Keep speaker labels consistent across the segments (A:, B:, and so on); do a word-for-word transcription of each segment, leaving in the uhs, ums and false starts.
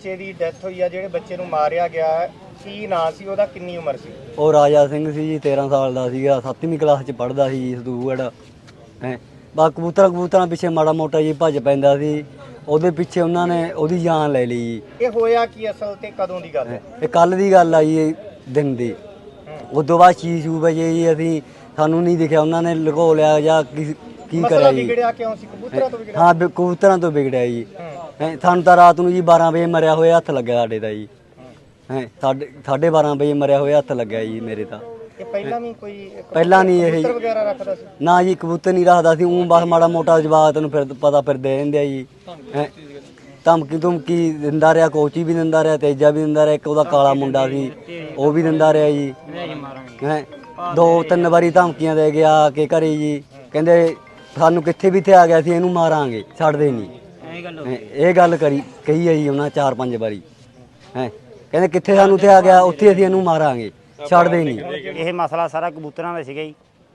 A: ਬੱਚੇ ਦੀ ਡੈਥ ਹੋਈ ਆ, ਜਿਹੜੇ ਬੱਚੇ ਨੂੰ ਮਾਰਿਆ ਗਿਆ, ਕੀ ਨਾਂ ਸੀ ਉਹਦਾ, ਕਿੰਨੀ ਉਮਰ ਸੀ?
B: ਉਹ ਰਾਜਾ ਸਿੰਘ ਸੀ ਜੀ, ਤੇਰਾਂ ਸਾਲ ਦਾ ਸੀਗਾ, ਸੱਤਵੀਂ ਕਲਾਸ 'ਚ ਪੜ੍ਹਦਾ ਸੀ ਜੀ ਸਦੂਗੜ ਹੈ। ਬਾ ਕਬੂਤਰਾਂ ਕਬੂਤਰਾਂ ਪਿੱਛੇ ਮਾੜਾ ਮੋਟਾ ਜੀ ਭੱਜ ਪੈਂਦਾ ਸੀ, ਉਹਦੇ ਪਿੱਛੇ ਉਹਨਾਂ ਨੇ ਉਹਦੀ ਜਾਨ ਲੈ ਲਈ ਜੀ।
A: ਇਹ ਹੋਇਆ ਕੀ ਅਸਲ ਤੇ ਕਦੋਂ ਦੀ ਗੱਲ ਹੈ?
B: ਇਹ ਕੱਲ ਦੀ ਗੱਲ ਆ ਜੀ, ਇਹ ਦਿਨ ਦੀ। ਉਦੋਂ ਬਾਅਦ ਛੇ ਛੇ ਵਜੇ ਜੀ ਅਸੀਂ ਸਾਨੂੰ ਨਹੀਂ ਦਿਖਿਆ, ਉਹਨਾਂ ਨੇ ਲੁਕੋ ਲਿਆ ਜਾਂ ਕੀ ਕੀ ਕਰਿਆ ਜੀ।
A: ਵਿਗੜਿਆ ਕਿਉਂ ਸੀ? ਕਬੂਤਰਾਂ ਤੋਂ ਵਿਗੜਿਆ?
B: ਹਾਂ ਬਿ- ਕਬੂਤਰਾਂ ਤੋਂ ਵਿਗੜਿਆ ਜੀ। ਹੈਂ, ਸਾਨੂੰ ਤਾਂ ਰਾਤ ਨੂੰ ਜੀ ਬਾਰਾਂ ਵਜੇ ਮਰਿਆ ਹੋਇਆ ਹੱਥ ਲੱਗਿਆ ਸਾਡੇ ਦਾ ਜੀ। ਹੈ ਸਾਢੇ ਸਾਢੇ ਬਾਰਾਂ ਵਜੇ ਮਰਿਆ ਹੋਇਆ ਹੱਥ ਲੱਗਿਆ ਜੀ ਮੇਰੇ ਤਾਂ।
A: ਇਹ ਪਹਿਲਾਂ ਵੀ ਕੋਈ
B: ਪਹਿਲਾਂ ਨਹੀਂ ਇਹ
A: ਕਬੂਤਰ ਵਗੈਰਾ ਰੱਖਦਾ ਸੀ?
B: ਨਾ ਜੀ, ਕਬੂਤਰ ਨਹੀਂ ਰੱਖਦਾ ਸੀ, ਉਹ ਬਸ ਮਾੜਾ ਮੋਟਾ ਜਵਾਬ ਤੈਨੂੰ ਫਿਰ ਪਤਾ ਫਿਰਦੇ ਰਹਿੰਦੇ ਆ ਜੀ। ਹੈਂ, ਧਮਕੀ ਧਮਕੀ ਦਿੰਦਾ ਰਿਹਾ, ਕੋਚੀ ਵੀ ਦਿੰਦਾ ਰਿਹਾ, ਤੇਜਾ ਵੀ ਦਿੰਦਾ ਰਿਹਾ, ਇੱਕ ਉਹਦਾ ਕਾਲਾ ਮੁੰਡਾ ਸੀ ਉਹ ਵੀ ਦਿੰਦਾ ਰਿਹਾ ਜੀ। ਹੈਂ, ਦੋ ਤਿੰਨ ਵਾਰੀ ਧਮਕੀਆਂ ਦੇ ਗਿਆ ਕਿ ਘਰੇ ਜੀ, ਕਹਿੰਦੇ ਸਾਨੂੰ ਕਿੱਥੇ ਵੀ ਇੱਥੇ ਆ ਗਿਆ ਸੀ ਇਹਨੂੰ ਮਾਰਾਂਗੇ, ਛੱਡਦੇ ਨਹੀਂ। ਹੈਂ, ਇਹ ਗੱਲ ਕਰੀ ਕਹੀ ਹੈ ਜੀ ਉਹਨਾਂ ਚਾਰ ਪੰਜ ਵਾਰੀ। ਹੈ ਕਹਿੰਦੇ ਕਿੱਥੇ ਸਾਨੂੰ ਇੱਥੇ ਆ ਗਿਆ, ਉੱਥੇ ਅਸੀਂ ਇਹਨੂੰ ਮਾਰਾਂਗੇ, ਛੱਡਦੇ ਨਹੀਂ।
C: ਇਹ ਮਸਲਾ ਸਾਰਾ ਕਬੂਤਰਾਂ ਦਾ ਸੀਗਾ ਜੀ,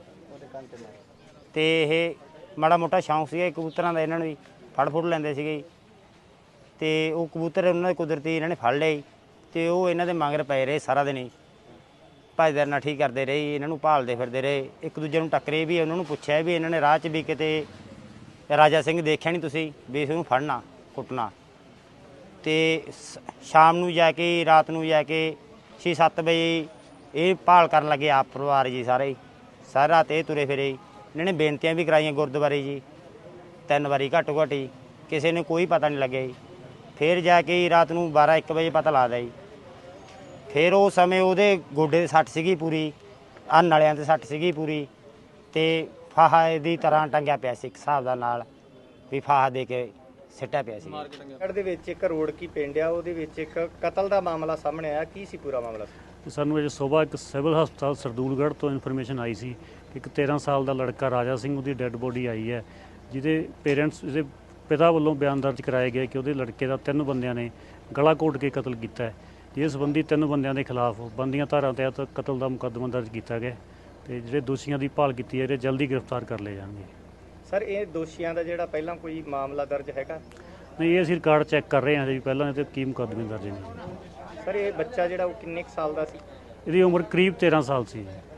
C: ਤੇ ਇਹ ਮਾੜਾ ਮੋਟਾ ਸ਼ੌਂਕ ਸੀਗਾ ਕਬੂਤਰਾਂ ਦਾ, ਇਹਨਾਂ ਨੂੰ ਵੀ ਫੜ ਫੁੜ ਲੈਂਦੇ ਸੀਗੇ ਜੀ। ਤੇ ਉਹ ਕਬੂਤਰ ਉਹਨਾਂ ਦੇ ਕੁਦਰਤੀ ਇਹਨਾਂ ਨੇ ਫੜ ਲਿਆ ਜੀ, ਤੇ ਉਹ ਇਹਨਾਂ ਦੇ ਮਗਰ ਪਏ ਰਹੇ ਸਾਰਾ ਦਿਨ ਹੀ, ਭੱਜਦੇ ਨੱਠੀ ਕਰਦੇ ਰਹੇ ਜੀ, ਇਹਨਾਂ ਨੂੰ ਭਾਲਦੇ ਫਿਰਦੇ ਰਹੇ, ਇੱਕ ਦੂਜੇ ਨੂੰ ਟੱਕਰੇ ਵੀ, ਉਹਨਾਂ ਨੂੰ ਪੁੱਛਿਆ ਵੀ ਇਹਨਾਂ ਨੇ ਰਾਹ 'ਚ ਵੀ ਕਿਤੇ ਰਾਜਾ ਸਿੰਘ ਦੇਖਿਆ ਨਹੀਂ ਤੁਸੀਂ ਵੀ ਇਸਨੂੰ ਫੜਨਾ ਕੁੱਟਣਾ। ਤੇ ਸ਼ਾਮ ਨੂੰ ਜਾ ਕੇ ਰਾਤ ਨੂੰ ਜਾ ਕੇ ਛੇ ਸੱਤ ਵਜੇ ਇਹ ਭਾਲ ਕਰਨ ਲੱਗੇ ਆਪ ਪਰਿਵਾਰ ਜੀ ਸਾਰੇ, ਸਾਰੀ ਰਾਤ ਇਹ ਤੁਰੇ ਫਿਰੇ। ਇਹਨਾਂ ਨੇ ਬੇਨਤੀਆਂ ਵੀ ਕਰਾਈਆਂ ਗੁਰਦੁਆਰੇ ਜੀ ਤਿੰਨ ਵਾਰੀ ਘੱਟੋ ਘੱਟ ਜੀ, ਕਿਸੇ ਨੇ ਕੋਈ ਪਤਾ ਨਹੀਂ ਲੱਗਿਆ ਜੀ। ਫਿਰ ਜਾ ਕੇ ਰਾਤ ਨੂੰ ਬਾਰਾਂ ਇੱਕ ਵਜੇ ਪਤਾ ਲੱਗਦਾ ਜੀ। ਫਿਰ ਉਹ ਸਮੇਂ ਉਹਦੇ ਗੋਡੇ 'ਤੇ ਸੱਟ ਸੀਗੀ ਪੂਰੀ, ਆਹ ਨਲਿਆਂ 'ਤੇ ਸੱਟ ਸੀਗੀ ਪੂਰੀ, ਤੇ ਫਾਹਾ ਦੀ ਤਰ੍ਹਾਂ ਟੰਗਿਆ ਪਿਆ ਸੀ ਇੱਕ ਹਿਸਾਬ ਦਾ ਨਾਲ, ਵੀ ਫਾਹਾ ਦੇ ਕੇ ਸਿੱਟਿਆ ਪਿਆ ਸੀ।
A: ਪਿੰਡ ਦੇ ਵਿੱਚ ਇੱਕ ਰੋੜਕੀ ਪਿੰਡ ਆ, ਉਹਦੇ ਵਿੱਚ ਇੱਕ ਕਤਲ ਦਾ ਮਾਮਲਾ ਸਾਹਮਣੇ ਆਇਆ, ਕੀ ਸੀ ਪੂਰਾ ਮਾਮਲਾ?
D: ਸਾਨੂੰ ਅੱਜ ਸੁਬਾਹ ਇੱਕ ਸਿਵਲ ਹਸਪਤਾਲ ਸਰਦੂਲਗੜ੍ਹ ਤੋਂ ਇਨਫੋਰਮੇਸ਼ਨ ਆਈ ਸੀ ਕਿ ਇੱਕ ਤੇਰਾਂ ਸਾਲ ਦਾ ਲੜਕਾ ਰਾਜਾ ਸਿੰਘ, ਉਹਦੀ ਡੈੱਡ ਬੋਡੀ ਆਈ ਹੈ, ਜਿਹਦੇ ਪੇਰੈਂਟਸ ਇਹਦੇ ਪਿਤਾ ਵੱਲੋਂ ਬਿਆਨ ਦਰਜ ਕਰਾਏ ਗਏ ਕਿ ਉਹਦੇ ਲੜਕੇ ਦਾ ਤਿੰਨ ਬੰਦਿਆਂ ਨੇ ਗਲਾ ਘੋਟ ਕੇ ਕਤਲ ਕੀਤਾ ਹੈ। ਜਿਸ ਸੰਬੰਧੀ ਤਿੰਨ ਬੰਦਿਆਂ ਦੇ ਖਿਲਾਫ ਬੰਦੀਆਂ ਧਾਰਾ ਤਹਿਤ ਕਤਲ ਦਾ ਮੁਕੱਦਮਾ ਦਰਜ ਕੀਤਾ ਗਿਆ, ਤੇ ਜਿਹੜੇ ਦੋਸ਼ੀਆਂ ਦੀ ਭਾਲ ਕੀਤੀ ਹੈ, ਜਿਹੜੇ ਜਲਦੀ ਗ੍ਰਿਫਤਾਰ ਕਰ ਲਏ ਜਾਣਗੇ।
A: ਸਰ, ਇਹ ਦੋਸ਼ੀਆਂ ਦਾ ਜਿਹੜਾ ਪਹਿਲਾਂ ਕੋਈ ਮਾਮਲਾ ਦਰਜ ਹੈਗਾ?
D: ਨਹੀਂ, ਇਹ ਅਸੀਂ ਰਿਕਾਰਡ ਚੈੱਕ ਕਰ ਰਹੇ ਹਾਂ ਜੀ, ਪਹਿਲਾਂ ਇਹਦੇ ਕੀ ਮੁਕੱਦਮੇ ਦਰਜ ਨੇ।
A: ਸਰ, ਇਹ ਬੱਚਾ ਜਿਹੜਾ ਉਹ ਕਿੰਨੇ ਕੁ ਸਾਲ ਦਾ ਸੀ?
D: ਇਹਦੀ ਉਮਰ ਕਰੀਬ ਤੇਰਾਂ ਸਾਲ ਸੀ।